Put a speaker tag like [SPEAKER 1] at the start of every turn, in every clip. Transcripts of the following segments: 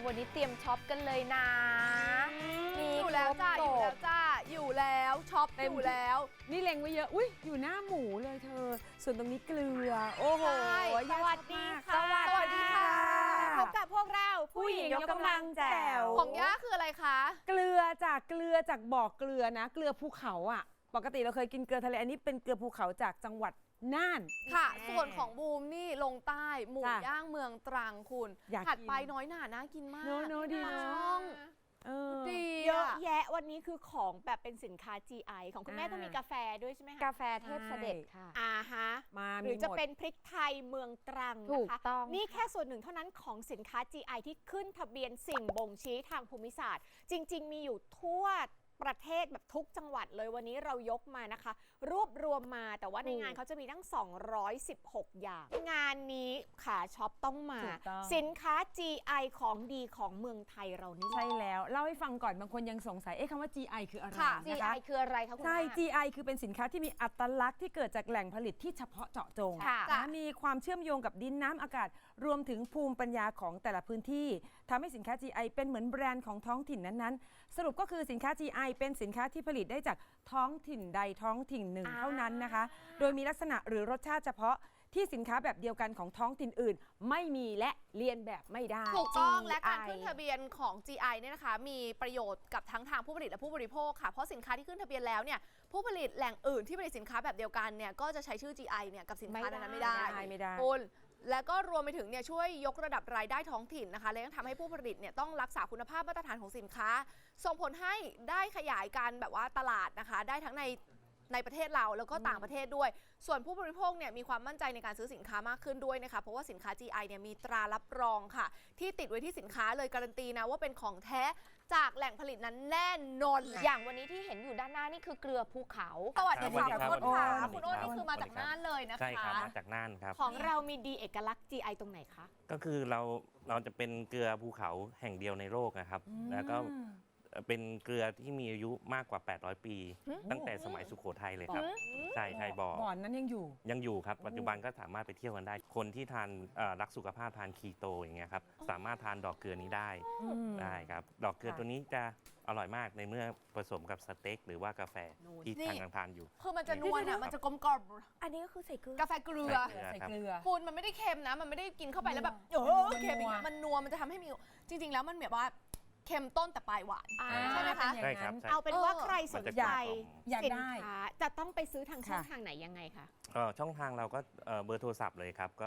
[SPEAKER 1] วันนี้เตรียมช็อปกันเลยนะมี
[SPEAKER 2] อยู่แล้วจ้าอยู่แล้วจ้าอยู่แล้วช็อปอยู่แล้ว
[SPEAKER 3] นี่เล็งไว้เยอะอุ้ยอยู่หน้าหมูเลยเธอส่วนตรงนี้เกลือโอ้โห
[SPEAKER 2] สวัสดีค่ะสวัสดีค่ะพบกับพวกเราผู้หญิงยกกำลังแจ๋วของย่าคืออะไรคะ
[SPEAKER 3] เกลือจากบ่อเกลือนะเกลือภูเขาอ่ะปกติเราเคยกินเกลือทะเลอันนี้เป็นเกลือภูเขาจากจังหวัดน่าน
[SPEAKER 2] ค่ะส่วนของบูมนี่ลงใต้หมูย่างเมืองตรังคุณถัดไปน้อยหน่าน่ากินมาก
[SPEAKER 3] โน้ดีนะ
[SPEAKER 2] ช่องดี
[SPEAKER 4] เยอะแยะวันนี้คือของแบบเป็นสินค้า GI ของคุณแม่ต้องมีกาแฟด้วยใช่ไหมคะ
[SPEAKER 1] กาแฟเทพเสด็จค่ะ
[SPEAKER 4] ฮะหรือจะเป็นพริกไทยเมืองตรังนะคะนี่แค่ส่วนหนึ่งเท่านั้นของสินค้า GI ที่ขึ้นทะเบียนสิ่งบ่งชี้ทางภูมิศาสตร์จริงๆมีอยู่ทั่วประเทศแบบทุกจังหวัดเลยวันนี้เรายกมานะคะรวบรวมมาแต่ว่าในงานเขาจะมีทั้ง216อย่างงานนี้ขาช็อปต้องมาสินค้า GI ของดีของเมืองไทยเรานี่
[SPEAKER 3] ใช่แล้วเล่าให้ฟังก่อนบางคนยังสงสัยคำว่า GI คืออะไรนะคะ
[SPEAKER 1] GI คืออะไรคะคุณ
[SPEAKER 3] ใช่ GI คือเป็นสินค้าที่มีอัตลักษณ์ที่เกิดจากแหล่งผลิตที่เฉพาะเจาะจงมีความเชื่อมโยงกับดินน้ำอากาศรวมถึงภูมิปัญญาของแต่ละพื้นที่ทำให้สินค้า GI เป็นเหมือนแบรนด์ของท้องถิ่นนั้นๆสรุปก็คือสินค้า GI เป็นสินค้าที่ผลิตได้จากท้องถิ่นใดท้องถิ่นหนึ่งเท่านั้นนะคะโดยมีลักษณะหรือรสชาติเฉพาะที่สินค้าแบบเดียวกันของท้องถิ่นอื่นไม่มีและเลียนแบบไม่ได้
[SPEAKER 2] ถูกต้องและการขึ้นทะเบียนของ GI เนี่ยนะคะมีประโยชน์กับทั้งทางผู้ผลิตและผู้บริโภคค่ะเพราะสินค้าที่ขึ้นทะเบียนแล้วเนี่ยผู้ผลิตแหล่งอื่นที่ผลิตสินค้าแบบเดียวกันเนี่ยก็จะใช้ชื่อ GI เนี่ยกับสินค้านั้นไม่ได้คุณแล้วก็รวมไปถึงเนี่ยช่วยยกระดับรายได้ท้องถิ่นนะคะและยังทำให้ผู้ผลิตเนี่ยต้องรักษาคุณภาพมาตรฐานของสินค้าส่งผลให้ได้ขยายการแบบว่าตลาดนะคะได้ทั้งในประเทศเราแล้วก็ต่างประเทศด้วยส่วนผู้บริโภคเนี่ยมีความมั่นใจในการซื้อสินค้ามากขึ้นด้วยนะคะเพราะว่าสินค้า GI เนี่ยมีตรารับรองค่ะที่ติดไว้ที่สินค้าเลยการันตีนะว่าเป็นของแท้จากแหล่งผลิตนั้นแน่นอน
[SPEAKER 1] อย่างวันนี้ที่เห็นอยู่ด้านหน้านี่คือเกลือภูเขา
[SPEAKER 2] สวัสดีค่ะคุณอ้นค่ะคุณอ้นนี่คือมาจากน่านเลยนะคะ
[SPEAKER 5] ใช่ครับมาจากน่านครับ
[SPEAKER 4] ของเรามีดีเอกลักษณ์ GI ตรงไหนคะ
[SPEAKER 5] ก็คือเราจะเป็นเกลือภูเขาแห่งเดียวในโลกนะครับแล้วก็เป็นเกลือที่มีอายุมากกว่า800ปีตั้งแต่สมัยสุโขทัยเลยครับใช่บ่อ
[SPEAKER 3] นั้นยัง
[SPEAKER 5] อยู่ครับปัจจุบันก็สามารถไปเที่ยวกันได้คนที่ทานรักสุขภาพทานคีโตอย่างเงี้ยครับสามารถทานดอกเกลือนี้ได้ครับดอกเกลือตัวนี้จะอร่อยมากในเมื่อผสมกับสเต็กหรือว่ากาแฟที่ทานอยู่
[SPEAKER 2] คือมันจะนวลอ่ะมันจะกลมกล่อม
[SPEAKER 1] อันนี้ก็คือใส่เกลือก
[SPEAKER 2] าแฟเกลือคุณมันไม่ได้เค็มนะมันไม่ได้กินเข้าไปแล้วแบบเค็มอย่างเงี้ยมันนัวมันจะทำให้มีจริงๆแล้วมันแบบว่าเค็มต้นแต่ปลายหวานใช่ไหมคะ
[SPEAKER 5] ใช่ครับ
[SPEAKER 4] เอาเป็นว่าใครสนใจ
[SPEAKER 3] อยาก
[SPEAKER 4] สิน
[SPEAKER 3] ได้
[SPEAKER 4] ค้าจะต้องไปซื้อทางช่องทางไหนยังไงคะ
[SPEAKER 5] ช่องทางเราก็เบอร์โทรศัพท์เลยครับก็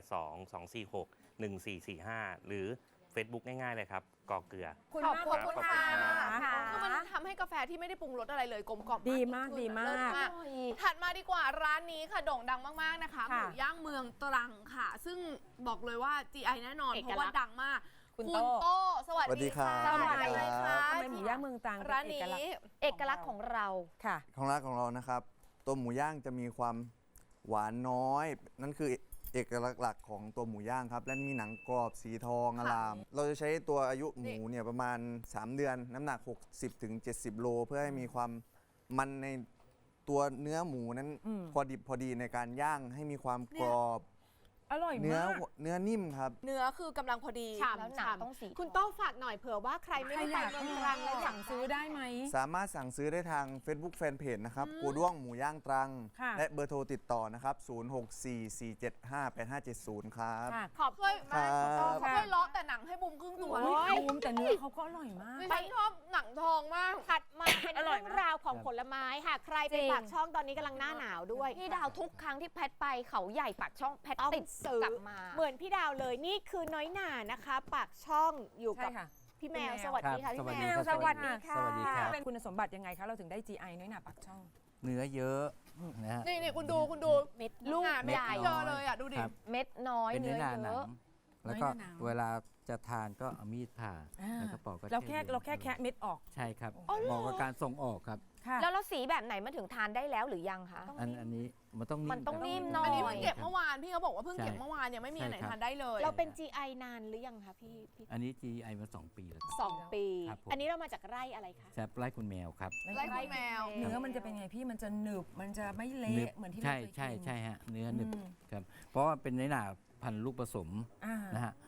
[SPEAKER 5] 0822461445หรือ Facebook ง่ายๆเลยครับกอเกลือ
[SPEAKER 2] ขอบคุณค่ะคือมันทำให้กาแฟที่ไม่ได้ปรุงรสอะไรเลยกลมกล่อม
[SPEAKER 3] ดีมาก
[SPEAKER 2] ถัดมาดีกว่าร้านนี้ค่ะโด่งดังมากๆนะคะหมูย่างเมืองตรังค่ะซึ่งบอกเลยว่า GI แน่นอนเพราะว่าดังมากคุณโต้สวัสดีค่ะ
[SPEAKER 6] สวัสดี
[SPEAKER 3] ค่ะทำไมหมูย่างเมืองตรัง
[SPEAKER 2] ร้านนี้
[SPEAKER 1] เอกลักษณ์ของเรา
[SPEAKER 3] ค่ะ
[SPEAKER 6] ของร้านของเรานะครับตัวหมูย่างจะมีความหวานน้อยนั่นคือเอกลักษณ์หลักของตัวหมูย่างครับและมีหนังกรอบสีทองอลามเราจะใช้ตัวอายุหมูเนี่ยประมาณ3เดือนน้ำหนัก60-70 โลเพื่อให้มีความมันในตัวเนื้อหมูนั้นพอดิบพอดีในการย่างให้มีความกรอบ
[SPEAKER 3] อร่อยมาก
[SPEAKER 6] เนื้อนิ่มครับ
[SPEAKER 2] เนื้อคือกำลังพอดี
[SPEAKER 1] แล้วหนังต้องสี
[SPEAKER 4] คุณโต้ฝากหน่อยเผื่อว่าใครไม่ได้ไปเมืองตรังแล้ว
[SPEAKER 3] สั่งซื้อได้ไหม
[SPEAKER 6] สามารถสั่งซื้อได้ทาง Facebook Fanpage นะครับกูด้วงหมูย่างตรังและเบอร์โทรติดต่อนะครับ0644758570ครับ
[SPEAKER 4] ขอบคุณมาก
[SPEAKER 2] ช่วยเลาะแต่หนังให้บุ้มครึ่งตัว
[SPEAKER 3] บุ้มแต่เนื้อเขาก็อร่อยมาก
[SPEAKER 2] ฉันชอบหนังทองมาก
[SPEAKER 4] ถัดมาเป็นเรื่องราวของผลไม้ค่ะใครไปปากช่องตอนนี้กำลังหน้าหนาวด้วย
[SPEAKER 1] พี่ดาวทุกครั้งที่แพทไปเขาใหญ่ปากช่องแพทติดกลับมา
[SPEAKER 4] เหมือนพี่ดาวเลยนี่คือน้อยหน่านะคะปากช่องอยู่กับพี่แมวสวัสดีค่ะพี่แมว
[SPEAKER 3] สวัสดีค่ะเป็นคุณสมบัติยังไงคะเราถึงได้ GI น้อยหน่าปากช่อง
[SPEAKER 6] เนื้อเยอะนะฮะ
[SPEAKER 2] นี่คุณดู
[SPEAKER 1] เม็ด
[SPEAKER 2] ลูกใหญ่เยอะเลยอ่ะดูดิ
[SPEAKER 1] เม็ดน้อย
[SPEAKER 6] เนื้อเยอะแล้วก็เวลาจะทานก็เอามีดผ่าแล้วก็ปอกก็
[SPEAKER 3] เราแค่แคะเม็ดออก
[SPEAKER 6] ใช่ครับเหมาะกับการส่งออกครับ
[SPEAKER 1] แล้วสีแบบไหนมันถึงทานได้แล้วหรือยังคะ
[SPEAKER 6] อันนี้มันต้อง
[SPEAKER 1] นิ่มหน่อย
[SPEAKER 2] อันนี้เพิ่งเก็บเมื่อวานพี่เขาบอกว่าเพิ่งเก็บเมื่อวานยังไม่มีไหนทานได้เลย
[SPEAKER 4] เราเป็น GI นานหรือยังคะพี่
[SPEAKER 6] อันนี้ GI มา2 ปีแล้ว
[SPEAKER 4] 2 ปีอันนี้เรามาจากไร่อะไรคะ
[SPEAKER 6] ไร่คุณแมวครับ
[SPEAKER 2] ไร่คุณแมว
[SPEAKER 3] เนื้อมันจะเป็นไงพี่มันจะหนึบมันจะไม่เละเหมือนที่เราเคยกิน
[SPEAKER 6] ใช่ฮะเนื้อหนึบครับเพราะว่าเป็นในหน่าพันธุ์ลูกผสมนะฮะ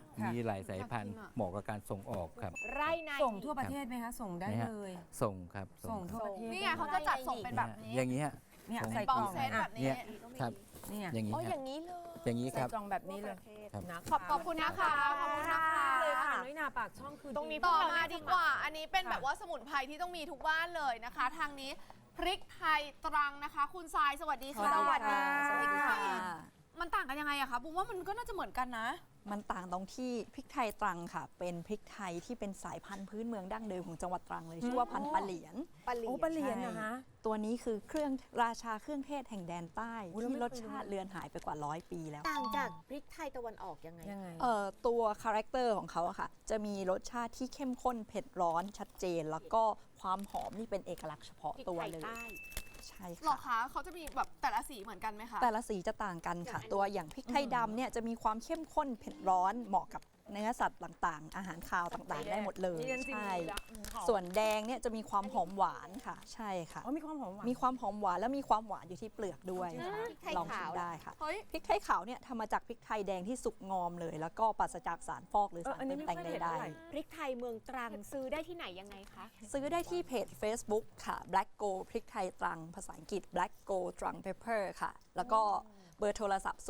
[SPEAKER 3] ค่ะ
[SPEAKER 7] มีหลายสายพันธุ์เหมาะกับการส่งออกครับ
[SPEAKER 4] ไร่ใน
[SPEAKER 3] ส่งทั่วประเทศไหมคะ ส่งได้
[SPEAKER 7] นะฮะ
[SPEAKER 3] เลย
[SPEAKER 7] ส่งครับ
[SPEAKER 3] ส่ง
[SPEAKER 7] ค
[SPEAKER 3] ทั่ว
[SPEAKER 7] รับ
[SPEAKER 3] ประเทศ
[SPEAKER 2] นี่ไงเขาจะจัดส่งเป็นแบบนี้
[SPEAKER 7] อย่างนี้ฮะ
[SPEAKER 3] เนี่ย
[SPEAKER 7] ส่ง
[SPEAKER 3] ใส่
[SPEAKER 2] บ
[SPEAKER 3] ก
[SPEAKER 2] อ
[SPEAKER 3] ล่
[SPEAKER 2] ก
[SPEAKER 3] อง
[SPEAKER 2] เซต
[SPEAKER 3] อ่ะ
[SPEAKER 2] แบบนี้
[SPEAKER 7] เนี่ย ครับ
[SPEAKER 3] เนี่ย
[SPEAKER 7] อย่างนี้
[SPEAKER 1] อ๋อ
[SPEAKER 7] ค
[SPEAKER 1] อ
[SPEAKER 7] รับ
[SPEAKER 1] ย่างนี้เลย
[SPEAKER 7] อย่างนี้ค
[SPEAKER 3] ใส่
[SPEAKER 7] รับ
[SPEAKER 3] กล่องแบบนี้เลย
[SPEAKER 7] ครับ
[SPEAKER 3] นะ
[SPEAKER 2] ขอบคุณนะคะขอบคุณนะคะ
[SPEAKER 3] เลยค่ะน้อยหนาปากช่องคือ
[SPEAKER 4] ตรงนี้
[SPEAKER 2] ต่อมาดีกว่า อันนี้เป็นแบบว่าสมุนไพรที่ต้องมีทุกบ้านเลยนะคะ ทางนี้พริกไทยตรังนะคะ คุณทรายสวัสดีค่ะ
[SPEAKER 3] สวัสดีค่ะ
[SPEAKER 2] สวัสดีค่ะ มันต่างกันยังไงอะคะบุ้มว่ามันก็น่าจะเหมือนกันนะ
[SPEAKER 8] มันต่างตรงที่พริกไทยตรังค่ะ เป็นพริกไทยที่เป็นสายพันธุ์พื้นเมืองดั้งเดิมของจังหวัดตรังเลยชื่อว่าพันธุ์ปลาเหลียน
[SPEAKER 4] ปลาเหลีย
[SPEAKER 3] โอ้
[SPEAKER 4] น
[SPEAKER 3] ปลาเหลียนนะคะ
[SPEAKER 8] ตัวนี้คือเครื่องราชาเครื่องเทศแห่งแดนใต้
[SPEAKER 3] โอ้แล้ว
[SPEAKER 8] ที่
[SPEAKER 3] ไม่
[SPEAKER 8] รส
[SPEAKER 3] เคยรู้
[SPEAKER 8] ชาติเลือนหายไปกว่า100 ปีแล้ว
[SPEAKER 4] ต่างจากพริกไทยตะวันออกยังไง
[SPEAKER 3] ยังไง
[SPEAKER 8] ตัวคาแรคเตอร์ของเขาอะค่ะ จะมีรสชาติที่เข้มข้นเผ็ดร้อนชัดเจน แล้วก็ความหอมนี่เป็นเอกลักษณ์เฉพาะ
[SPEAKER 4] พริก
[SPEAKER 8] ตัว
[SPEAKER 4] ไทย
[SPEAKER 8] เลย
[SPEAKER 4] ใต้
[SPEAKER 8] ใช่
[SPEAKER 2] หรอ
[SPEAKER 8] ค่ะ
[SPEAKER 2] คะเขาจะมีแบบแต่ละสีเหมือนกันไหมคะ
[SPEAKER 8] แต่ละสีจะต่างกันค่ะ ตัวอย่างพริกไทยดำเนี่ยจะมีความเข้มข้นเผ็ดร้อนเหมาะกับเนื้อสัตว์ต่างๆ อาหารคาวต่างๆ ได้หมดเลย
[SPEAKER 3] นี่เป็นสี
[SPEAKER 8] ใช่
[SPEAKER 3] เหลืองหอม
[SPEAKER 8] ส่วนแดงเนี่ยจะมีความหอมหวานค่ะ ใช่ค่ะ
[SPEAKER 3] อ๋อมีความหอมหวาน
[SPEAKER 8] มีความหอมหวานและมีความหวานอยู่ที่เปลือกด้วย
[SPEAKER 3] จริงเหรอ
[SPEAKER 4] พริกไทย
[SPEAKER 8] ลองชิ
[SPEAKER 4] ขาม ว
[SPEAKER 8] ได้ค่ะ
[SPEAKER 2] เฮ้ย
[SPEAKER 8] พริกไทยขาวเนี่ยทำมาจากพริกไทยแดงที่สุกงอมเลย แล้วก็ปราศจากสารฟอกหรือสาร
[SPEAKER 3] อันนี้
[SPEAKER 8] เติม
[SPEAKER 3] ไม่
[SPEAKER 8] แต่ง
[SPEAKER 3] ค่อยเห็น
[SPEAKER 8] ใด
[SPEAKER 3] เท่าไหร่
[SPEAKER 4] พริกไทยเมืองตรังซื้อได้ที่ไหนยังไงคะ
[SPEAKER 8] ๆซื้อได้ที่เพจ Facebook ค่ะ Black Go พริกไทยตรัง ภาษาอังกฤษ Black Go ตรัง Pepper ค่ะ แล้วก็เบอร์โทรศัพท์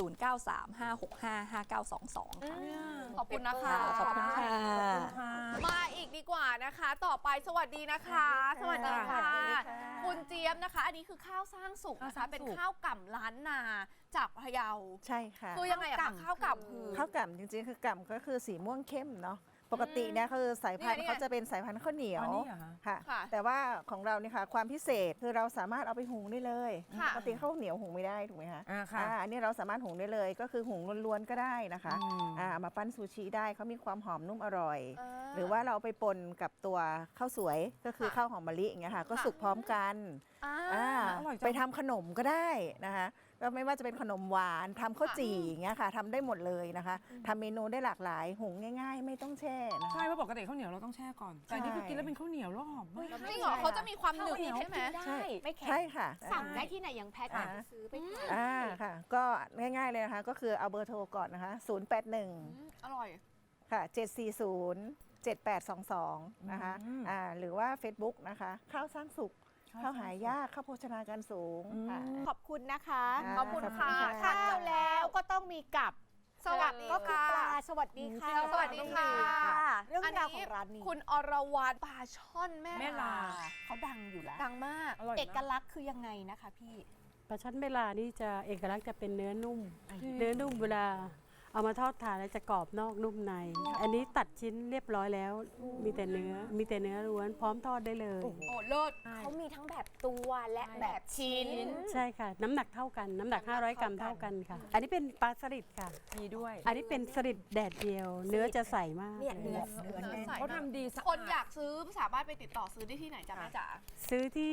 [SPEAKER 8] 0935655922 ค่ะ
[SPEAKER 2] ขอบคุณนะคะ
[SPEAKER 8] ขอบคุณค่ะ
[SPEAKER 2] มาอีกดีกว่านะคะ ต่อไปสวัสดีนะคะ สวัสดีค่ะ คุณเจี๊ยบนะคะ อันนี้คือข้าวสร้างสุขนะ
[SPEAKER 3] ข้าวสร้า
[SPEAKER 2] คะ
[SPEAKER 3] งสุข
[SPEAKER 2] เป็นข้าวก่ำล้านนาจากพะเยา
[SPEAKER 9] ใช่ค่ะ
[SPEAKER 2] คือยังไงอะคะข้าวก่ำคือ
[SPEAKER 9] ข้าวกล่ำจริงๆ คือกล่ำก็คือสีม่วงเข้มเนาะปกติเนี่ยคือสายพันธุ์
[SPEAKER 2] นี่ไง
[SPEAKER 9] เขาจะเป็นสายพันธุ์ข้าวเหนียว
[SPEAKER 3] อ๋อนี่เหรอคะ
[SPEAKER 9] ค่ะ
[SPEAKER 2] ค่ะ
[SPEAKER 9] แต่ว่าของเราเนี่ยค่ะความพิเศษคือเราสามารถเอาไปหุงได้เลย
[SPEAKER 2] ค่ะ
[SPEAKER 9] ปกติข้าวเหนียวหุงไม่ได้ถูกไหมคะ
[SPEAKER 3] ค่ะ
[SPEAKER 9] อันนี้เราสามารถหุงได้เลยก็คือหุงล้วนๆก็ได้นะคะ
[SPEAKER 3] อืม
[SPEAKER 9] เอามาปั้นซูชิได้เขามีความหอมนุ่มอร่อย หรือว่าเราเอาไปปนกับตัวข้าวสวยก็คือข้าวหอมมะลิอย่างเงี้ยค่ะก็สุกพร้อมกัน
[SPEAKER 2] อ่า
[SPEAKER 3] อร่อยจัง
[SPEAKER 9] ไปทำขนมก็ได้นะคะก็ไม่ว่าจะเป็นขนมหวานทำข้าวจี่อย่างเงี้ยค่ะทำได้หมดเลยนะคะทำเมนูได้หลากหลายหุงง่าย ๆ ไม่ต้องแช่นะคะ
[SPEAKER 3] ใช่เพราะปกติข้าวเหนียวเราต้องแช่ก่อน แต่อันนี่คือกินแล้วเป็นข้าวเหนียวแล้วหอมมาก
[SPEAKER 2] จริงเหรอเขาจะมีความหนึบใช่ไหม
[SPEAKER 9] ใช่
[SPEAKER 4] ไม่แข็ง
[SPEAKER 9] ใช่ค่ะ
[SPEAKER 4] สั่งได้ที่ไหนยังแพทย์
[SPEAKER 9] อ่า
[SPEAKER 4] ไปซื้อไปทาน
[SPEAKER 9] ค่ะ ก็ง่ายๆเลยนะคะ ก็คือเอาเบอร์โทรก่อนนะคะ 081
[SPEAKER 2] อร่อย
[SPEAKER 9] ค่ะ 740 7822 นะคะ หรือว่า Facebook นะคะ ข้าวสร้างสุข ข้าวหายาก ข้าวโภชนาการสูงค่ะ
[SPEAKER 4] ขอบคุณนะคะ
[SPEAKER 2] ขอบคุณค่ะ
[SPEAKER 4] ข้าวแล้วก็ต้องมีกับ
[SPEAKER 2] สวัสดี
[SPEAKER 4] ก็คือ
[SPEAKER 2] ค่ะ
[SPEAKER 4] ปลาสวัสดีค่ะ
[SPEAKER 2] สวัสดีค่ะ
[SPEAKER 4] เรื่องราวของร้านนี้
[SPEAKER 2] คุณอรวรรณปลาช่อนแม่
[SPEAKER 3] แม่ลา
[SPEAKER 4] เขาดังอยู่แล้ว
[SPEAKER 2] ดังมาก
[SPEAKER 3] อร่อย
[SPEAKER 4] เอ
[SPEAKER 3] มาก
[SPEAKER 4] กลักษณ์คือยังไงนะคะพี่
[SPEAKER 10] ปลาช่อนเบลานี่จะเอกลักษณ์จะเป็นเนื้อนุ่ม เนื้อนุ่มเวลาเอามาทอดทานแล้วจะกรอบนอกนุ่มใน อันนี้ตัดชิ้นเรียบร้อยแล้ว มีแต่เนื้อล้วนพร้อมทอดได้เลย
[SPEAKER 2] โอ้เลิศ
[SPEAKER 1] เขามีทั้งแบบตัวและแบบชิ้น
[SPEAKER 10] ใช่ค่ะ น้ำหนักเท่ากัน น้ำหนัก 500 กรัมเท่ากันค่ะ อันนี้เป็นปลาสลิดค่ะ
[SPEAKER 3] มีด้วย
[SPEAKER 10] อันนี้เป็นสลิดแดดเดียว เนื้อจะใสมาก
[SPEAKER 1] เนี่ยเนื้อ
[SPEAKER 3] เขาทำดีสะอาด
[SPEAKER 2] คนอยากซื้อสามารถไปติดต่อซื้อได้ที่ไหนจ๊ะแม่จ๋า
[SPEAKER 10] ซื้อที่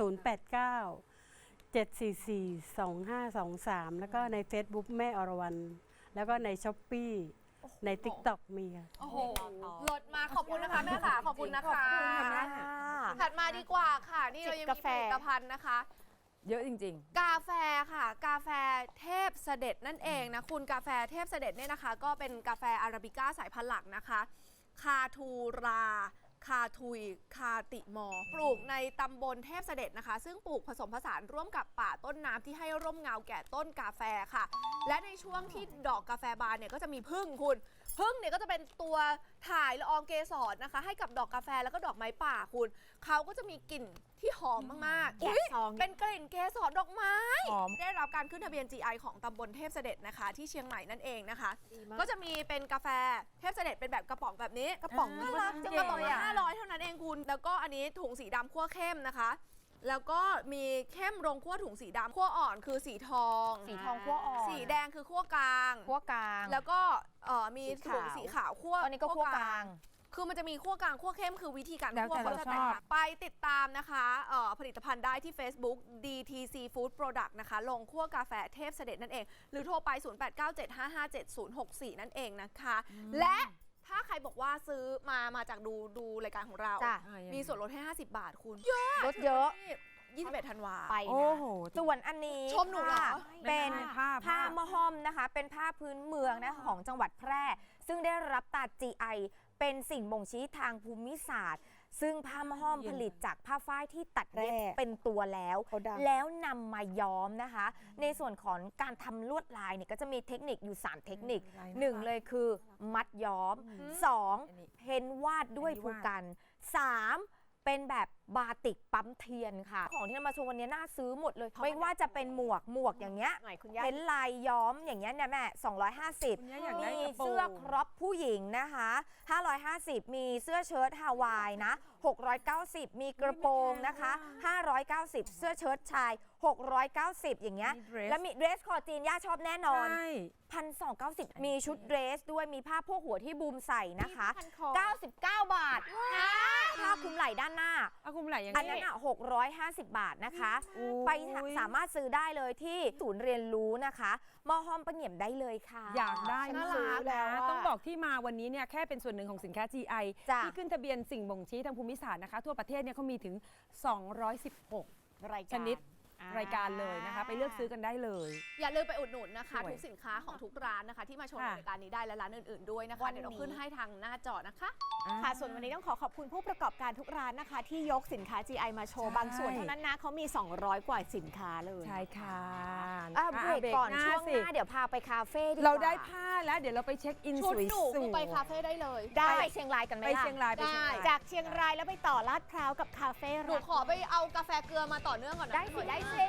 [SPEAKER 10] 089 744 2523 แล้วก็ใน Facebook แม่อรวรรณแล้วก็ใน Shopee ใน TikTok มีค่ะ
[SPEAKER 2] โอ้โหเลิศมากขอบคุณนะคะแม่ค่ะ ขอบคุณนะคะ
[SPEAKER 3] ขอบคุณค่ะแม่
[SPEAKER 2] ถัดมาดีกว่าค่ะ นี่เรายัง
[SPEAKER 4] จิบ
[SPEAKER 2] มี
[SPEAKER 4] กาแฟ
[SPEAKER 2] ผลิตภัณฑ์นะคะ
[SPEAKER 3] เยอะจริง
[SPEAKER 2] กาแฟค่ะ กาแฟเทพเสด็จนั่นเองนะคุณกาแฟเทพเสด็จเนี่ยนะคะ ก็เป็นกาแฟอาราบิก้าสายพันธุ์หลักนะคะ คาทูรา คาทุย คาติมอ ปลูกในตำบลเทพเสด็จนะคะ ซึ่งปลูกผสมผสานร่วมกับป่าต้นน้ำที่ให้ร่มเงาแก่ต้นกาแฟค่ะ และในช่วงที่ดอกกาแฟบานเนี่ยก็จะมีผึ้งคุณผึ้งเนี่ยก็จะเป็นตัวถ่ายละอองเกสรนะคะ ให้กับดอกกาแฟแล้วก็ดอกไม้ป่าคุณเขาก็จะมีกลิ่นที่หอมมากๆ
[SPEAKER 4] แกะ
[SPEAKER 2] อุ๊ย
[SPEAKER 4] ซอง
[SPEAKER 2] เป็นกลิ่นเกสรดอกไม้
[SPEAKER 3] หอม
[SPEAKER 2] ได้รับการขึ้นทะเบียน GI ของตำบลเทพเสด็จนะคะ ที่เชียงใหม่นั่นเองนะคะ
[SPEAKER 4] ดีมาก
[SPEAKER 2] ก็จะมีเป็นกาแฟเทพเสด็จเป็นแบบกระป๋องแบบนี้
[SPEAKER 4] กระป๋อง
[SPEAKER 2] น่ารักจังกระป๋องละ500 เท่านั้นเองคุณ แล้วก็อันนี้ถุงสีดำคั่วเข้มนะคะ แล้วก็มีเข้มโรงคั่วถุงสีดำคั่วอ่อนคือสีทอง
[SPEAKER 1] สีทองคั่วอ่อน
[SPEAKER 2] สีแดงคือคั่วกลาง
[SPEAKER 1] คั่วกลาง
[SPEAKER 2] แล้วก็มี
[SPEAKER 1] สี
[SPEAKER 2] ถุ
[SPEAKER 1] ขาง ว
[SPEAKER 2] สีขาวคั่ว
[SPEAKER 1] ตอนนี้ก็คั่วกลาง
[SPEAKER 2] คือมันจะมีคั่วกลางคั่วเข้มคือวิธีการ
[SPEAKER 3] แล้ว
[SPEAKER 2] คั่ว
[SPEAKER 3] แต่
[SPEAKER 2] เขาจะ
[SPEAKER 3] เราชอบ
[SPEAKER 2] แตกต่างไปติดตามนะคะผลิตภัณฑ์ได้ที่ Facebook DTC Food Product นะคะ ลงคั่วกาแฟเทพเสด็จนั่นเอง หรือโทรไป 0897557064 นั่นเองนะคะ และถ้าใครบอกว่าซื้อมาจากดูรายการของเรา
[SPEAKER 1] จ้ะ
[SPEAKER 2] มีส่วนลดให้ 50 บาทคุณ
[SPEAKER 1] รถเยอะ
[SPEAKER 2] 21 ธันวา
[SPEAKER 4] ไป
[SPEAKER 3] โอ้
[SPEAKER 4] นะ
[SPEAKER 3] โห
[SPEAKER 1] ส่วนอันนี้
[SPEAKER 2] ชมหนูเหรอ
[SPEAKER 1] ค่ะเป็น
[SPEAKER 3] ผ้า
[SPEAKER 1] ผ้ามะฮ่อมนะคะ เป็นผ้าพื้นเมืองนะคะของจังหวัดแพร่ ซึ่งได้รับตรา GI เป็นสิ่งบ่งชี้ทางภูมิศาสตร์ ซึ่งผ้ามะฮ่อมผลิตจากผ้าฝ้ายที่ตัดเย็บ
[SPEAKER 8] แร่
[SPEAKER 1] เป็นตัวแล้ว
[SPEAKER 8] เขาดัง
[SPEAKER 1] แล้วนำมาย้อมนะคะ ในส่วนของการทำลวดลายเนี่ยก็จะมีเทคนิคอยู่ 3 เทคนิค 1 เลยคือมัดย้อม 2 เพ้นวาดด้วยภูกัน 3 เป็นแบบบาติกปั๊มเทียนค่ะ ของที่นำมาโชว์วันนี้น่าซื้อหมดเลย ไม่ว่าจะเป็นหมวกอย่างเงี้ย
[SPEAKER 4] หน่อยคุณย่า
[SPEAKER 1] เพ้นลายย้อมอย่างเงี้ยเนี่ยแม่ 250
[SPEAKER 3] คุณย่าอยากได้
[SPEAKER 1] มี
[SPEAKER 3] กระโปรง
[SPEAKER 1] เสื้อครอปผู้หญิงนะคะ 550 มีเสื้อเชิ้ตฮาวายนะ 690 มีกระโปรงนะคะ 590 เสื้อเชิ้ตชาย 690 อย่างเงี้ย
[SPEAKER 3] มีเดรส
[SPEAKER 1] แล้วมีเดรสคอจีนย่าชอบแน่นอน
[SPEAKER 3] ใช่
[SPEAKER 1] 1,290 มีชุดเดรสด้วย มีผ้าโพกหัวที่บูมใส่นะคะ
[SPEAKER 4] พันคอ
[SPEAKER 1] 99 บาท ผ้าคลุมไหล่ด้านหน้า
[SPEAKER 3] เอาคุมไหลยัง
[SPEAKER 1] อัน
[SPEAKER 3] ไง
[SPEAKER 1] นั้นอ่ะ650 บาทนะคะ
[SPEAKER 3] โอ้ย
[SPEAKER 1] ไปสามารถซื้อได้เลยที่ศูนย์เรียนรู้นะคะมอห้อมประเหงี่ยมได้เลยค่ะ
[SPEAKER 3] อยากได้
[SPEAKER 4] น่าม
[SPEAKER 3] าก
[SPEAKER 4] รักแล้ว
[SPEAKER 3] นะ
[SPEAKER 4] อะ
[SPEAKER 3] ต้องบอกที่มาวันนี้เนี่ยแค่เป็นส่วนหนึ่งของสินค้า GI
[SPEAKER 1] จ้ะ
[SPEAKER 3] ที่ขึ้นทะเบียนสิ่งบ่งชี้ทางภูมิศาสตร์นะคะ ทั่วประเทศเนี่ยเขามีถึง 216
[SPEAKER 4] ราย
[SPEAKER 3] ช
[SPEAKER 4] การ
[SPEAKER 3] นิดรายการเลยนะคะ ไปเลือกซื้อกันได้เลย
[SPEAKER 2] อย่าลืมไปอุดหนุนนะคะ
[SPEAKER 3] สวย
[SPEAKER 2] ทุกสินค้าของทุกร้านนะคะ ที่มาชม
[SPEAKER 3] ค่ะ
[SPEAKER 2] รายการนี้ได้และร้านอื่นๆด้วยนะคะ
[SPEAKER 4] วันนี้
[SPEAKER 2] เดี๋ยวเราขึ้นให้ทางหน้าจอนะคะ
[SPEAKER 4] ค่ะ ส่วนวันนี้ต้องขอบคุณผู้ประกอบการทุกร้านนะคะ ที่ยกสินค้า GI มาโชว์
[SPEAKER 3] ใช่
[SPEAKER 4] บางส่วนเท่านั้นนะเขามี 200 กว่าสินค้าเลย
[SPEAKER 3] ใช่ค่ะ
[SPEAKER 1] เบรกก่อน
[SPEAKER 3] เบร
[SPEAKER 1] ช่วง
[SPEAKER 3] สิ
[SPEAKER 1] หน้าเดี๋ยวพาไปคาเฟ่ดีกว่า
[SPEAKER 3] เราได้ผ้าแล้วเดี๋ยวเราไปเช็คอิน
[SPEAKER 2] ชุด
[SPEAKER 3] สวย
[SPEAKER 2] หนู
[SPEAKER 3] ๆ
[SPEAKER 2] คือไปคาเฟ่ได้เลย
[SPEAKER 4] ได้
[SPEAKER 1] ไปเชียงรายกันไหม
[SPEAKER 3] ไป
[SPEAKER 1] ล่ะ
[SPEAKER 3] เชียงรายไปเชียงราย
[SPEAKER 4] จากเชียงรายแล้วไปต่อลาดพร้าวกับคาเฟ่
[SPEAKER 2] หนูขอไปเอากาแฟเกลือมาต่อเนื่องก่อนนะ
[SPEAKER 1] ได้สิได้สิ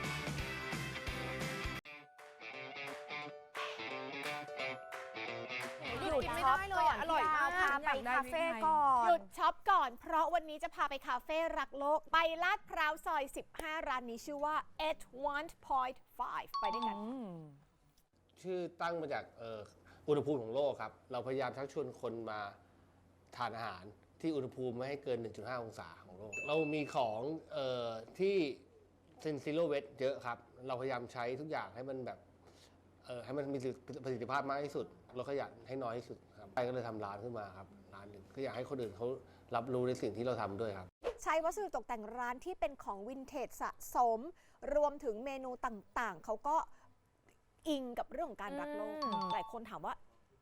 [SPEAKER 2] หยุดกินไม่ได้เลยอะอร่อยมาก
[SPEAKER 1] พาไปคาเฟ่ก่อน
[SPEAKER 4] หยุดช็อปก่อน เพราะวันนี้จะพาไปคาเฟ่รักโลก ไปลาดพร้าวซอย 15 ร้านนี้ชื่อว่า 81.5 ไปด้วยกัน
[SPEAKER 11] ชื่อตั้งมาจากอุณหภูมิของโลกครับ เราพยายามชักชวนคนมาทานอาหารที่อุณหภูมิไม่ให้เกิน 1.5 องศาของโลก เรามีของที่เซนซิโลเวทเยอะครับ เราพยายามใช้ทุกอย่างให้มันแบบให้มันมีประสิทธิภาพมากที่สุดเราขยันให้น้อยที่สุดครับไปก็เลยทำร้านขึ้นมาครับร้านหนึ่งก็อยากให้คนอื่นเขารับรู้ในสิ่งที่เราทำด้วยครับ
[SPEAKER 4] ใช้วัสดุตกแต่งร้านที่เป็นของวินเทจสะสม รวมถึงเมนูต่างๆ เขาก็อิงกับเรื่องของการรักโลก หลายคนถามว่า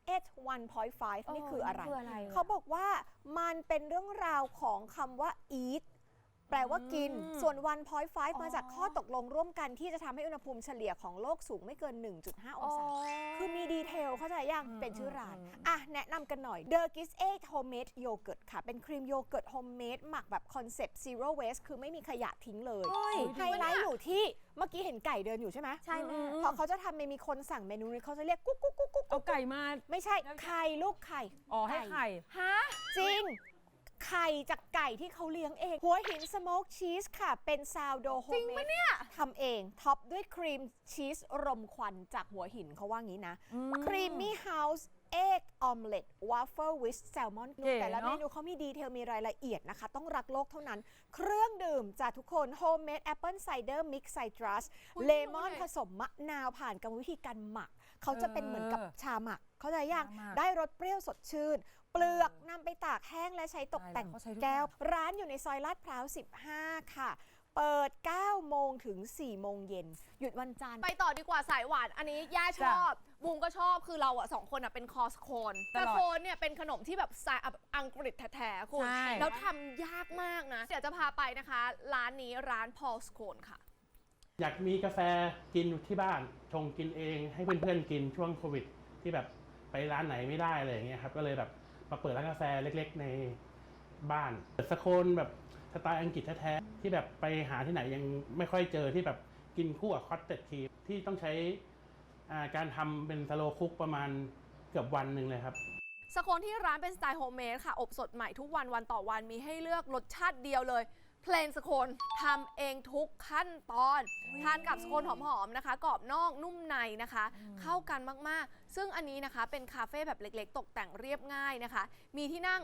[SPEAKER 4] 1.5 นี่คืออะไร เขาบอกว่ามันเป็นเรื่องราวของคำว่า eat แปลว่ากิน ส่วน 1.5 มาจากข้อตกลงร่วมกันที่จะทำให้อุณหภูมิเฉลี่ยของโลกสูงไม่เกิน 1.5 องศา คือมีดีเทลเข้าใจยังเป็นชื่อร้าน อ่ะ แนะนำกันหน่อย The Gis Egg Homemade Yogurt ค่ะ เป็นครีมโยเกิร์ตโฮมเมดหมักแบบคอนเซปต์ zero waste คือไม่มีขยะทิ้งเลย ไฮไลท์อยู่ที่เมื่อกี้เห็นไก่เดินอยู่ใช่ไหม
[SPEAKER 1] ใช่แม่
[SPEAKER 4] พอเขาจะทำมีคนสั่งเมนูนี้เขาจะเรียกกุ๊กกุ๊กกุ๊กกุ๊ก
[SPEAKER 3] เอาไก่มา
[SPEAKER 4] ไม่ใช่ไข่ลูกไข่
[SPEAKER 3] อ๋อให้ไข่
[SPEAKER 1] ฮะ
[SPEAKER 4] จริง ไข่จากไก่ที่เขาเลี้ยงเอง หัวหินสโมกชีสค่ะ เป็นซาวโดโฮมเมดจริงปะเนี่ยทำเอง ท็อปด้วยครีมชีสรมควันจากหัวหินเขาว่างี้นะ ครีมมี่เฮาส์เอ็กออมเล็ตวาฟเฟิลวิสแซลมอน
[SPEAKER 3] เก๋
[SPEAKER 4] แต่ละ
[SPEAKER 3] เนอะ
[SPEAKER 4] เมนูเขามีดีเทลมีรายละเอียดนะคะ ต้องรักโลกเท่านั้น เครื่องดื่มจากทุกคนโฮมเมดแอปเปิลไซเดอร์มิกซ์ไซตรัสเลมอนผสมมะนาวผ่านกรรมวิธีการหมัก เขาจะเป็นเหมือนกับชาหมัก เข้าใจยัง
[SPEAKER 3] ชาหมัก
[SPEAKER 4] ได้รสเปรี้ยวสดชื่น เปลือกนำไปตากแห้งและใช้ตกแต่ง
[SPEAKER 3] ตายแล้วเขาใช้ทุก
[SPEAKER 4] แก้ว
[SPEAKER 3] อย่าง
[SPEAKER 4] ร้านอยู่ในซอยลาดพร้าว 15 ค่ะ เปิด 9 โมงถึง 4 โมงเย็น หยุดวันจันทร์
[SPEAKER 2] ไปต่อดีกว่าสายหวาน อันนี้ย่าชอบบูมก็ชอบคือเราอะสองคนอะเป็นคอสโคน
[SPEAKER 3] ต
[SPEAKER 2] แต่
[SPEAKER 3] ลอด
[SPEAKER 2] โคนเนี่ยเป็นขนมที่แบบสไตล์อังกฤษแท้ๆคุณ
[SPEAKER 3] ใช่
[SPEAKER 2] แล้วทำยากมากนะ เดี๋ยวจะพาไปนะคะ ร้านนี้ร้านพอลสโคนค่ะ
[SPEAKER 12] อยากมีกาแฟกินที่บ้านชงกินเองให้เพื่อนๆกินช่วงโควิด ที่แบบไปร้านไหนไม่ได้อะไรอย่างเงี้ยครับก็เลยแบบมาเปิดร้านกาแฟเล็กๆในบ้านเปิดสโคนแบบสไตล์อังกฤษแท้ๆที่แบบไปหาที่ไหนยังไม่ค่อยเจอที่แบบกินคู่กับคอตเต็ดครีมที่ต้องใช้การทำเป็นสโลว์คุกประมาณเกือบวันหนึ่งเลยครับ
[SPEAKER 2] สโคนที่ร้านเป็นสไตล์โฮมเมดค่ะ อบสดใหม่ทุกวันวันต่อวันมีให้เลือกรสชาติเดียวเลยเพลนสโคนทำเองทุกขั้นตอน ทานกับสโคนหอมๆนะคะกรอบนอกนุ่มในนะคะ เข้ากันมากๆ ซึ่งอันนี้นะคะเป็นคาเฟ่แบบเล็กๆ ตกแต่งเรียบง่ายนะคะ มีที่นั่ง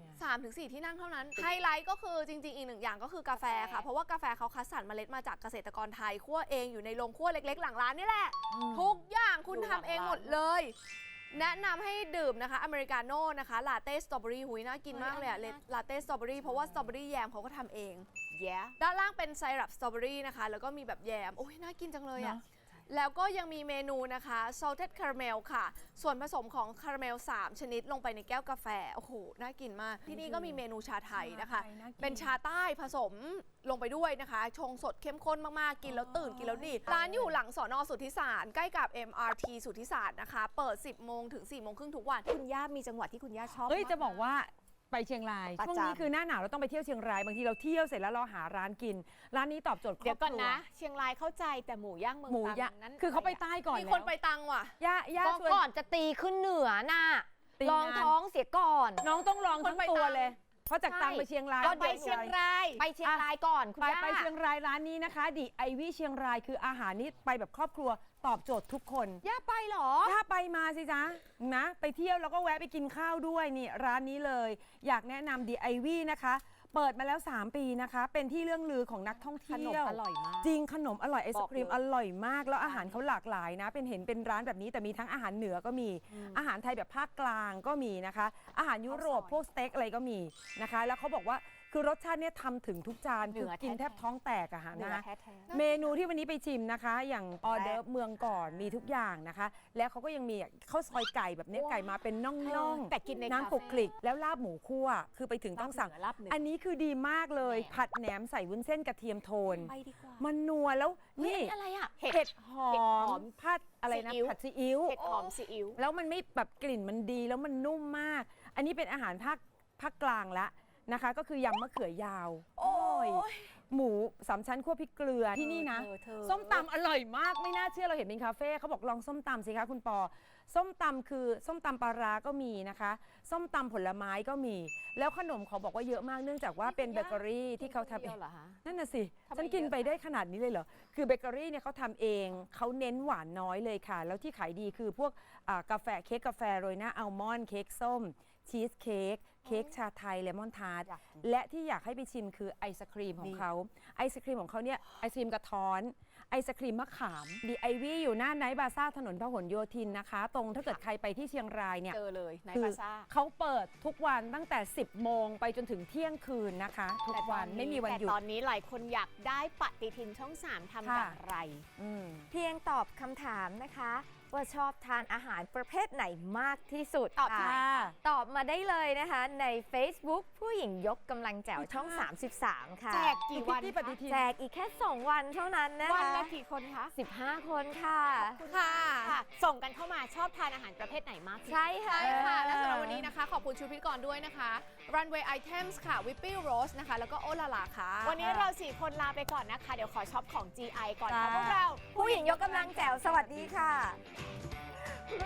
[SPEAKER 2] 3-4 ที่นั่งเท่านั้น ไฮไลท์ก็คือจริงๆ อีกหนึ่งอย่างก็คือกาแฟค่ะ เพราะว่ากาแฟเขาคัดสรรเมล็ดมาจากเกษตรกรไทยคั่วเองอยู่ในโรงคั่วเล็กๆ หลังร้านนี่แหละ ทุกอย่างคุณทำเองหมดเลย แนะนำให้ดื่มนะคะอเมริกาโน่นะคะลาเต้สตรอเบอรี่หุยน่ากินมากเลยอะลาเต้สตรอเบอรี่เพราะว่าสตรอเบอรี่แยมเขาก็ทำเองด้านล่างเป็นไซรัปสตรอเบอรี่นะคะ แล้วก็มีแบบแยม โอ้ยน่ากินจังเลยอะแล้วก็ยังมีเมนูนะคะ salted caramel ค่ะ ส่วนผสมของคาราเมล 3 ชนิดลงไปในแก้วกาแฟ โอ้โห น่ากินมาก ที่นี่ก็มีเมนูชาไทยนะคะ เป็นชาใต้ผสมลงไปด้วยนะคะ ชงสดเข้มข้นมาก ๆ กินแล้วตื่นกินแล้วดี ร้านอยู่หลังสน.สุทธิสาร ใกล้กับ MRT สุทธิสารนะคะ เปิด 10 โมงถึง 4 โมงครึ่งทุกวัน
[SPEAKER 4] คุณย่ามีจังหวัดที่คุณย่าชอบ
[SPEAKER 3] เฮ้ย
[SPEAKER 4] ม
[SPEAKER 3] จะบอกว่าไปเชียงราย
[SPEAKER 4] ประจำ
[SPEAKER 3] ช่วงนี้คือหน้าหนาวเราต้องไปเที่ยวเชียงรายบางทีเราเที่ยวเสร็จแล้วเราหาร้านกิน ร้านนี้ตอบโจทย์คร
[SPEAKER 4] เดี๋
[SPEAKER 3] อย บ
[SPEAKER 4] วก่อน
[SPEAKER 3] ครัว
[SPEAKER 4] นะ เชียงรายเข้าใจแต่หมูย่างเมือง
[SPEAKER 3] หมู
[SPEAKER 4] ตรัง
[SPEAKER 3] ย่าง
[SPEAKER 4] นั้น
[SPEAKER 3] คือเขาไปใต้ก่อน
[SPEAKER 2] มี
[SPEAKER 3] แล้ว
[SPEAKER 2] คนไปตังว่ะ
[SPEAKER 3] ย่า
[SPEAKER 1] ก็
[SPEAKER 3] ชวน
[SPEAKER 1] ก่อนจะตีขึ้นเหนือน่ะ
[SPEAKER 3] ตี
[SPEAKER 1] ลอง
[SPEAKER 3] งาน
[SPEAKER 1] ท้องเสียก่อน
[SPEAKER 3] น้องต้องลองทั้งตัวเลย เพราะจาก
[SPEAKER 1] ใช่
[SPEAKER 3] ตังไปเชียงราย
[SPEAKER 4] ก็
[SPEAKER 3] ต้อง
[SPEAKER 4] ไปเชียงราย
[SPEAKER 1] ไปเชียงรายก่อนคุณ
[SPEAKER 3] ไป
[SPEAKER 1] ย่า
[SPEAKER 3] ไปเชียงรายร้านนี้นะคะดิไอวี่เชียงรายคืออาหารนี้ไปแบบครอบครัวตอบโจทย์ทุกคน
[SPEAKER 1] ย่าไปเหรอ
[SPEAKER 3] ถ้าไปมาสิจ๊ะนะ ไปเที่ยวแล้วก็แวะไปกินข้าวด้วยนี่ร้านนี้เลย อยากแนะนำดิไอวี่นะคะ เปิดมาแล้ว 3 ปีนะคะ เป็นที่เรื่องลือของนักท่องเที่ยว
[SPEAKER 4] ขนมอร่อยมาก
[SPEAKER 3] จริงขนมอร่อยไอศครีม
[SPEAKER 4] บอกเลย
[SPEAKER 3] อร่อยมาก แล้วอาหารเขาหลากหลายนะ เป็นร้านแบบนี้แต่มีทั้งอาหารเหนือก็มี อาหารไทยแบบภาคกลางก็มีนะคะ อาหารยุโรปพวกสเต็กอะไรก็มีนะคะ แล้วเขาบอกว่าคือรสชาติเนี่ยทำถึงทุกจาน
[SPEAKER 4] เหนื
[SPEAKER 3] คือ
[SPEAKER 4] อ
[SPEAKER 3] กินแทบ
[SPEAKER 4] แท้ๆ
[SPEAKER 3] ท้องแตกอะฮะ
[SPEAKER 4] เนื้อ
[SPEAKER 3] นะ
[SPEAKER 4] แท้ๆ
[SPEAKER 3] เมนูที่วันนี้ไปชิมนะคะ อย่างออเดิร์ฟเมืองก่อนมีทุกอย่างนะคะ แล้วเขาก็ยังมีข้าวซอยไก่แบบเนี้ยไก่มาเป็นน่องๆ
[SPEAKER 4] แต่กินใน
[SPEAKER 3] น้ำคลุกคลิกแล้วลาบหมูคั่วคือไปถึงต้องสั่ง
[SPEAKER 4] ลาบเหนือ
[SPEAKER 3] อันนี้คือดีมากเลย ผัดแหนมใส่วุ้นเส้นกระเทียมโทน
[SPEAKER 4] ไปดีกว่า
[SPEAKER 3] มันนัวแล้ว
[SPEAKER 1] เฮ้ย
[SPEAKER 3] นี่
[SPEAKER 1] อะไรอ่ะ
[SPEAKER 3] เห็ดหอ
[SPEAKER 4] เห็ดหอ
[SPEAKER 3] ม
[SPEAKER 4] ม
[SPEAKER 3] ผัดอะไรนะ
[SPEAKER 4] ซีอิ๊ว
[SPEAKER 3] ผัดซีอิ๊ว
[SPEAKER 4] เห็ดหอมซีอิ๊ว
[SPEAKER 3] แล้วมันไม่แบบกลิ่นมันดีแล้วมันนุ่มมาก อันนี้เป็นอาหารภาคกลางละนะคะ ก็คือยำมะเขือยาว โอ้ยหมูสามชั้นคั่วพริกเกลือที่นี่นะ
[SPEAKER 4] เธอ
[SPEAKER 3] ส้มตำอร่อยมากไม่น่าเชื่อเราเห็นเป็นคาเฟ่เขาบอกลองส้มตำสิคะคุณปอ ส้มตำคือส้มตำปลาร้าก็มีนะคะ ส้มตำผลไม้ก็มี แล้วขนมเขาบอกว่าเยอะมากเนื่องจากว่าเป็นเบเกอรี่ที่เขาทำเอง
[SPEAKER 4] เหรอคะ
[SPEAKER 3] นั่นน่ะสิ
[SPEAKER 4] ทำไม
[SPEAKER 3] ฉันกิน
[SPEAKER 4] เยอะ
[SPEAKER 3] ไปได้ขนาดนี้เลยเหรอ คือเบเกอรี่เนี่ยเขาทำเอง เขาเน้นหวานน้อยเลยค่ะ แล้วที่ขายดีคือพวกกาแฟเค้กกาแฟโรยหน้าอัลมอนด์เค้กส้ม ชีสเค้กเค้กชาไทยเลมอนทาร์ตและที่อยากให้ไปชิมคือไอศครีมของเขาไอศครีมของเขาเนี่ยไอศครีมกระท้อนไอศครีมมะขามดีไอวี่อยู่หน้าไนท์บาซ่าถนนพหลโยธินนะคะ ตรงถ้าเกิดใครไปที่เชียงรายเนี่ย
[SPEAKER 4] เจอเลยใน
[SPEAKER 3] คื
[SPEAKER 4] บาซ่า
[SPEAKER 3] เขาเปิดทุกวันตั้งแต่ 10 โมงไปจนถึงเที่ยงคืนนะคะ ทุกวันไม่มีวันหยุด
[SPEAKER 4] แต่ตอนนี้หลายคนอยากได้ปฏิทินช่อง 3ทำอย่างไร
[SPEAKER 3] อืม
[SPEAKER 1] เพียงตอบคำถามนะคะ ว่าชอบทานอาหารประเภทไหนมากที่สุด
[SPEAKER 4] ตอบ
[SPEAKER 1] ค่ะ
[SPEAKER 4] ค่ะ
[SPEAKER 1] ตอบมาได้เลยนะคะใน Facebook ผู้หญิงยกกำลังแจ๋วช่อง 33 ค่ะ
[SPEAKER 4] แจกกี่วัน
[SPEAKER 3] ที่ปฏิทิน
[SPEAKER 1] แจกอีกแค่ 2 วันเท่านั้นนะ
[SPEAKER 4] วัน
[SPEAKER 1] คะ
[SPEAKER 4] ละกี่คนคะ
[SPEAKER 1] 15 คนค่ะ
[SPEAKER 2] ค่ะ
[SPEAKER 4] ค่ะ ส่งกันเข้ามาชอบทานอาหารประเภทไหนมากที่สุด
[SPEAKER 1] ใช่ค่ะ
[SPEAKER 2] ใช่ค่ะ และสำหรับวันนี้นะคะ ขอบคุณชุดพิธีกรด้วยนะคะ Runway Items ค่ะ Whippy Rose นะคะ แล้วก็โอลาลาค่ะ
[SPEAKER 4] วันนี้เรา4คนลาไปก่อนนะคะ เดี๋ยวขอช็อปของ GI ก่อนค่ะ
[SPEAKER 1] จ้า
[SPEAKER 4] พวกเรา
[SPEAKER 1] ผู้หญิงยกกำลังแจ๋วสวัสดีค่ะ